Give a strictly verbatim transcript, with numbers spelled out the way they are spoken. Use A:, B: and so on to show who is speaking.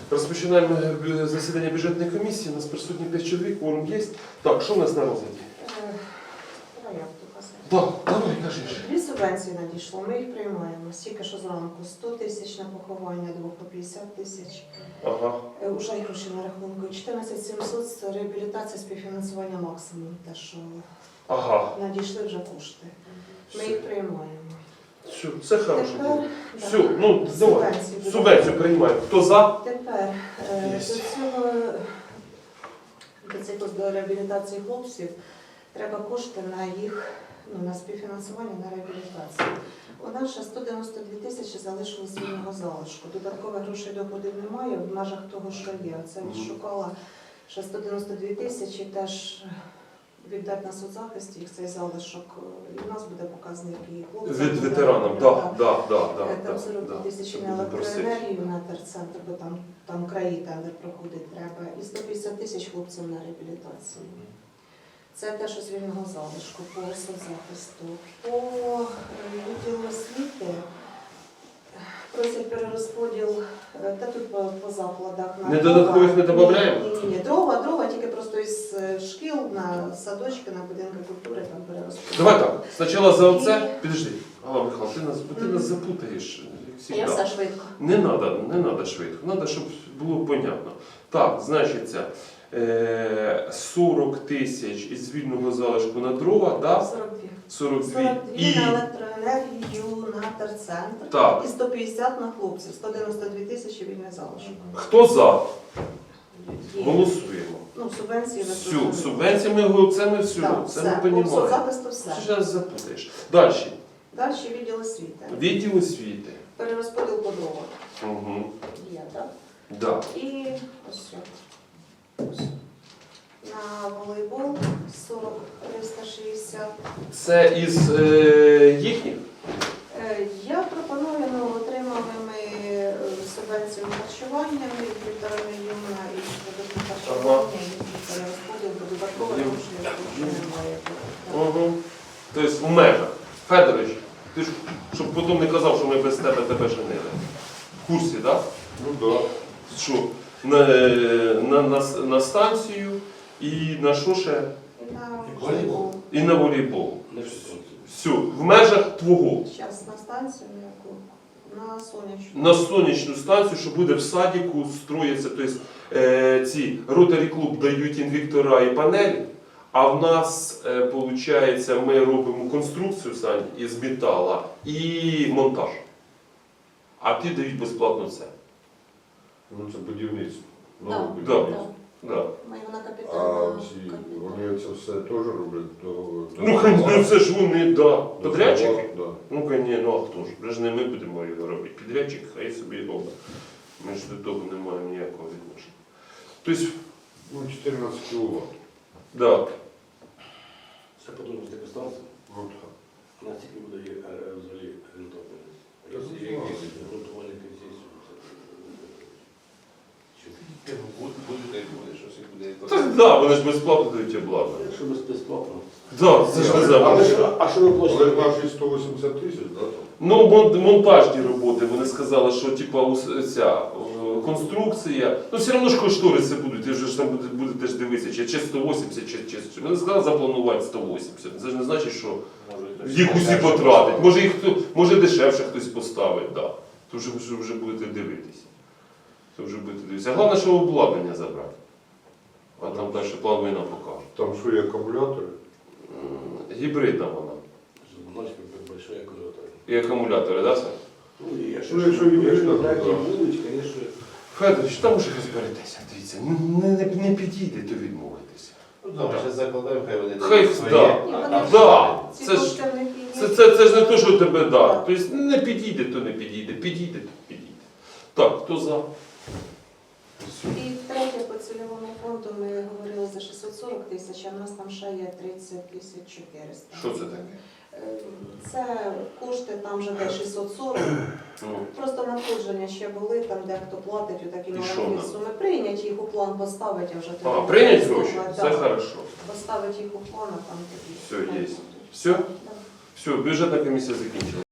A: Розпочинаємо засідання бюджетної комісії. У нас присутні п'ять чоловік, кворум є. Так, що в нас на розгляді? Так, давай, кажи.
B: Дві субвенції надійшло, ми їх приймаємо. Стільки що зранку сто тисяч на поховання, двох по п'ятдесят тисяч.
A: Ага.
B: Е, Уже гроші на рахунку. чотирнадцять сімсот це реабілітація співфінансування максимум. Те, що
A: Ага.
B: надійшли вже кошти. Ми їх приймаємо.
A: Все, це хороше.
B: Тепер,
A: Все, ну, давай.
B: Субвенції.
A: Субвенцію приймаємо. Хто за?
B: Тепер е,
A: Є.
B: до цього до цього до реабілітації хлопців треба кошти на їх, ну, на співфінансування, на реабілітацію. У нас ще сто дев'яносто дві тисячі залишилось з вільного залишку. Додаткових грошей доходів немає в межах того, що є. Це відшукала ще сто дев'яносто дві тисячі, теж віддати на соцзахист їх цей залишок. І в нас буде показник і хлопцям.
A: Від ветеранам, так, так, так.
B: Там сорок дві тисячі на електроенергію на терцентр, бо там, там краї тендер проходить треба. І сто п'ятдесят тисяч хлопцям на реабілітацію. Це те, що з вільного залишку по соцзахисту. По е, відділу освіти просять перерозподіл, е, та тут по, по закладах. На
A: Не додаткових не
B: дрова.
A: додаємо?
B: Ні, ні, ні, дрова, дрова, тільки просто із е, шкіл на садочки, на будинки культури там перерозподіл.
A: Давай так, спочатку за оце. Підожди. Алла Михайловна, ти нас, ти нас запутаєш. як
B: Я
A: завжди.
B: все швидко.
A: Не треба, не треба швидко. Треба, щоб було понятно. Так, значить, це, е, сорок тисяч із вільного залишку на дрова, да?
B: сорок дві.
A: сорок дві.
B: сорок дві
A: І...
B: на електроенергію, на терцентр.
A: Так.
B: І сто п'ятдесят на хлопців. сто дев'яносто дві тисячі вільний залишок.
A: Хто за?
B: Є.
A: Голосуємо.
B: Ну, субвенції ви
A: Всю,
B: зрозуміли.
A: субвенції ми, це ми все,
B: Так,
A: це
B: все.
A: ми
B: По
A: розуміємо.
B: соцзахисту все.
A: Що зараз запутаєш? Далі.
B: Далі відділ освіти.
A: Відділ освіти.
B: Перерозподіл по дрова.
A: Угу.
B: Є, так?
A: Да.
B: І ось що. Ось. На волейбол сорок триста шістдесят.
A: Це із е, їхніх?
B: Е, Я пропоную, ну, отримали ми е, субвенцію на харчування від півтора мільйона і продуктів харчування, і перерозподіл, бо додатково
A: Ні.
B: грошей я думаю, немає.
A: Угу. Тобто в межах. Федорович, ти ж, щоб потім не казав, що ми без тебе тебе женили. В курсі, так? Да?
C: Ну так.
A: Що? На, на, на, на станцію і на що ще?
B: І на
C: волейбол.
A: І на волейбол. Все, в межах твого.
B: Зараз на станцію на яку? На сонячну.
A: На сонячну станцію, що буде в садіку, строїться, тобто е, ці ротарі клуб дають інвіктора і панелі, а в нас, е, виходить, ми робимо конструкцію Сань, із металу і монтаж. А ті дають безплатно це.
C: Ну це будівництво.
B: Да,
C: Нове
B: да.
C: будівництво.
A: Да.
B: Ми його на
C: А
B: капітальну.
C: ці, вони це все теж роблять до...
A: Ну, ну це ж вони, да. Подрядчики?
C: Да.
A: Ну, звісно, ну а хто ж? Вже ж не ми будемо його робити. Підрядчик, хай собі робить. Ми ж до того не маємо ніякого відношення. Тобто,
C: Ну, чотирнадцять кіловат.
A: да.
D: Це потужність екостанції.
C: Ну так.
D: Наскільки буде її, е, взагалі рентованість?
C: Я
D: Якщо
C: не
D: є
C: знаю.
D: якісь ґрунтувальні комісії,
A: Так, да, вони ж безплатно дають обладнання.
D: якщо без безплатно.
A: Да, це ж не
D: А
A: забули.
D: що- А що ви
C: Але
D: площі?
C: наші сто вісімдесят тисяч, да, там?
A: Ну, мон- монтажні роботи, вони сказали, що типа ус- ця е, конструкція, ну все одно ж кошториси будуть, ти вже ж там буде- будете ж дивитися, чи, чи сто вісімдесят, чи, чи, чи. Вони сказали запланувати сто вісімдесят. Це ж не значить, що їх усі потратять. Може, їх хто, може дешевше хтось поставить, да. То вже, вже, вже будете дивитися. То вже будете дивитися. А головне, що обладнання забрати. А там далі план війна покаже.
C: Там що є акумулятори?
A: М, Гібридна вона.
D: Значить, большой аккумулятор.
A: І акумулятори, да, Сань?
D: Ну, і якщо
C: Ну, якщо
D: якщо
C: гібридна, то
D: такі
C: да.
D: будуть, звісно,
A: Федорович, там уже розберетеся, дивіться, не, не, не підійде, то відмовитися.
E: Ну, добре, ще закладаємо, хай вони
A: Хай,
E: дають своє.
A: да.
B: Ні,
E: а-
B: вони
E: а-
B: ж-
A: Да,
B: Ці
A: це ж,
B: кошти в них і
A: це,
B: є.
A: це, це ж не те, що тебе да. Тобто не підійде, то не підійде, підійде, то підійде. Так, хто за?
B: І третє, по цільовому фонду ми говорили за шістсот сорок тисяч, а в нас там ще є тридцять тисяч чотириста.
A: Що це таке?
B: Е, Це кошти там вже де шістсот сорок.
A: Ну,
B: Просто надходження ще були, там дехто платить у такі
A: І що
B: маленькі
A: нам?
B: суми. Прийнять їх у план, поставить, а вже
A: а,
B: тоді
A: прийнять
B: використовувати.
A: гроші? Все
B: Да.
A: хорошо.
B: Поставить їх у план, а там тоді.
A: Все, є.
B: Так.
A: Все?
B: Да.
A: Все, бюджетна комісія закінчила.